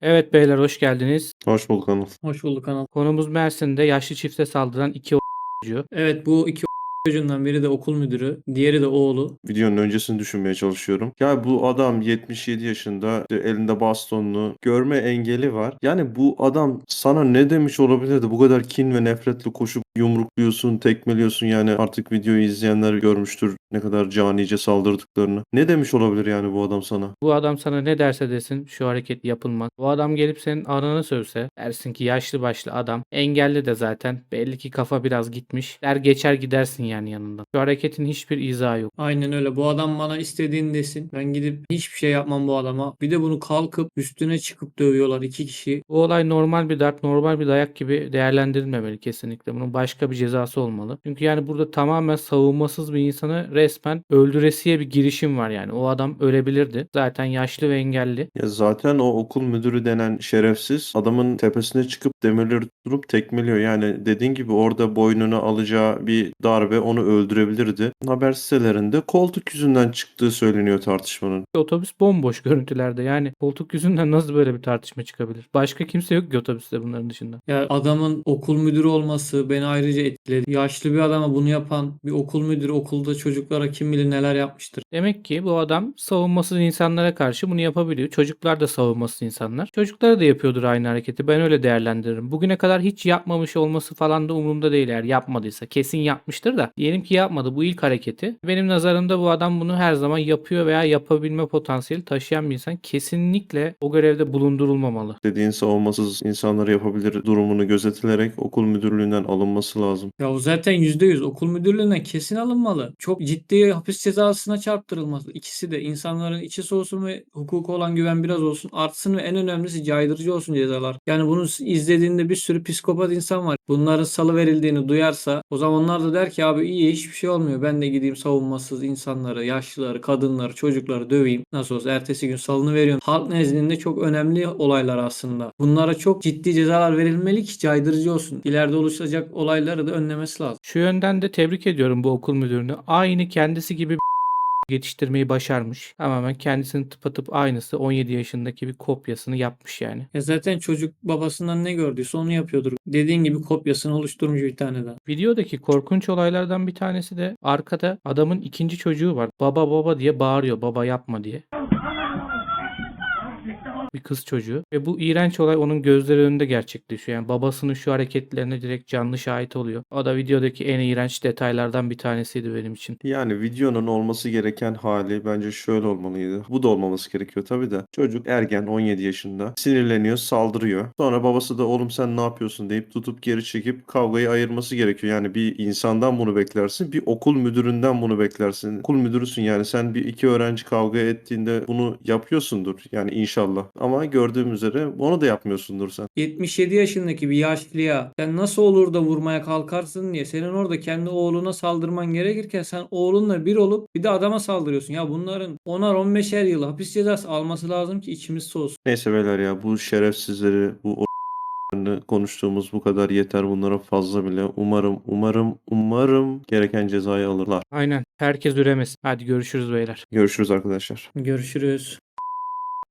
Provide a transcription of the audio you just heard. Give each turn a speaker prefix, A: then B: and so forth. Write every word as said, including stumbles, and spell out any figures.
A: Evet beyler hoş geldiniz.
B: Hoş bulduk Anıl.
C: Hoş bulduk Anıl.
A: Konumuz Mersin'de yaşlı çifte saldıran iki çocuğu.
C: Evet, bu iki çocuğundan biri de okul müdürü, diğeri de oğlu.
B: Videonun öncesini düşünmeye çalışıyorum. Ya bu adam yetmiş yedi yaşında, işte elinde bastonlu, görme engeli var. Yani bu adam sana ne demiş olabilirdi? Bu kadar kin ve nefretle koşup yumrukluyorsun, tekmeliyorsun, yani artık videoyu izleyenler görmüştür ne kadar canice saldırdıklarını. Ne demiş olabilir yani bu adam sana?
A: Bu adam sana ne derse desin şu hareket yapılmaz. Bu adam gelip senin ananı sövse dersin ki yaşlı başlı adam. Engelli de zaten. Belli ki kafa biraz gitmiş. Der geçer gidersin yani yanından. Şu hareketin hiçbir izahı yok.
C: Aynen öyle. Bu adam bana istediğini desin. Ben gidip hiçbir şey yapmam bu adama. Bir de bunu kalkıp üstüne çıkıp dövüyorlar iki kişi.
A: Bu olay normal bir darp, normal bir dayak gibi değerlendirilmemeli kesinlikle. Bunun başka bir cezası olmalı. Çünkü yani burada tamamen savunmasız bir insanı resmen öldüresiye bir girişim var yani. O adam ölebilirdi. Zaten yaşlı ve engelli.
B: Ya zaten o okul müdürü denen şerefsiz adamın tepesine çıkıp demirleri tutup tekmeliyor. Yani dediğin gibi orada boynuna alacağı bir darbe onu öldürebilirdi. Haber sitelerinde koltuk yüzünden çıktığı söyleniyor tartışmanın.
A: Otobüs bomboş görüntülerde. Yani koltuk yüzünden nasıl böyle bir tartışma çıkabilir? Başka kimse yok ki otobüste bunların dışında.
C: Ya adamın okul müdürü olması beni ayrıca etkiledi. Yaşlı bir adama bunu yapan bir okul müdürü okulda çocuklara kim bilir neler yapmıştır.
A: Demek ki bu adam savunmasız insanlara karşı bunu yapabiliyor. Çocuklar da savunmasız insanlar. Çocuklara da yapıyordur aynı hareketi. Ben öyle değerlendiririm. Bugüne kadar hiç yapmamış olması falan da umurumda değil eğer yapmadıysa. Kesin yapmıştır da. Diyelim ki yapmadı bu ilk hareketi. Benim nazarımda bu adam bunu her zaman yapıyor veya yapabilme potansiyeli taşıyan bir insan. Kesinlikle o görevde bulundurulmamalı.
B: Dediğin savunmasız insanları yapabilir durumunu gözetilerek okul müdürlüğünden alınması lazım.
C: Ya o zaten yüzde yüz okul müdürlüğünden kesin alınmalı. Çok ciddi hapis cezasına çarptırılması. İkisi de insanların içi soğusun ve hukuka olan güven biraz olsun artsın ve en önemlisi caydırıcı olsun cezalar. Yani bunu izlediğinde bir sürü psikopat insan var. Bunların salı verildiğini duyarsa o zaman onlar da der ki abi iyi hiçbir şey olmuyor. Ben de gideyim savunmasız insanları, yaşlıları, kadınları, çocukları döveyim. Nasıl olsa ertesi gün salını veriyorum. Halk nezdinde çok önemli olaylar aslında. Bunlara çok ciddi cezalar verilmeli ki caydırıcı olsun. İleride oluşacak olayları da önlemesi lazım.
A: Şu yönden de tebrik ediyorum bu okul müdürünü. Aynı kendisi gibi yetiştirmeyi başarmış. Tamamen kendisinin tıpatıp aynısı on yedi yaşındaki bir kopyasını yapmış yani.
C: Ya zaten çocuk babasından ne gördüyse onu yapıyordur. Dediğin gibi kopyasını oluşturmuş bir tane daha.
A: Videodaki korkunç olaylardan bir tanesi de arkada adamın ikinci çocuğu var. Baba baba diye bağırıyor. Baba yapma diye. Bir kız çocuğu. Ve bu iğrenç olay onun gözleri önünde gerçekleşiyor. Yani babasının şu hareketlerine direkt canlı şahit oluyor. O da videodaki en iğrenç detaylardan bir tanesiydi benim için.
B: Yani videonun olması gereken hali bence şöyle olmalıydı. Bu da olmaması gerekiyor tabii de. Çocuk ergen on yedi yaşında. Sinirleniyor, saldırıyor. Sonra babası da oğlum sen ne yapıyorsun deyip tutup geri çekip kavgayı ayırması gerekiyor. Yani bir insandan bunu beklersin. Bir okul müdüründen bunu beklersin. Okul müdürüsün yani sen bir iki öğrenci kavga ettiğinde bunu yapıyorsundur. Yani inşallah. Ama gördüğüm üzere onu da yapmıyorsundur sen.
C: yetmiş yedi yaşındaki bir yaşlıya sen nasıl olur da vurmaya kalkarsın diye senin orada kendi oğluna saldırman gerekirken sen oğlunla bir olup bir de adama saldırıyorsun. Ya bunların onar on beşer yıl hapis cezası alması lazım ki içimiz soğusun.
B: Neyse beyler ya bu şerefsizleri, bu o- konuştuğumuz bu kadar yeter, bunlara fazla bile. Umarım, umarım, umarım gereken cezayı alırlar.
A: Aynen. Herkes üremesin. Hadi görüşürüz beyler.
B: Görüşürüz arkadaşlar.
C: Görüşürüz.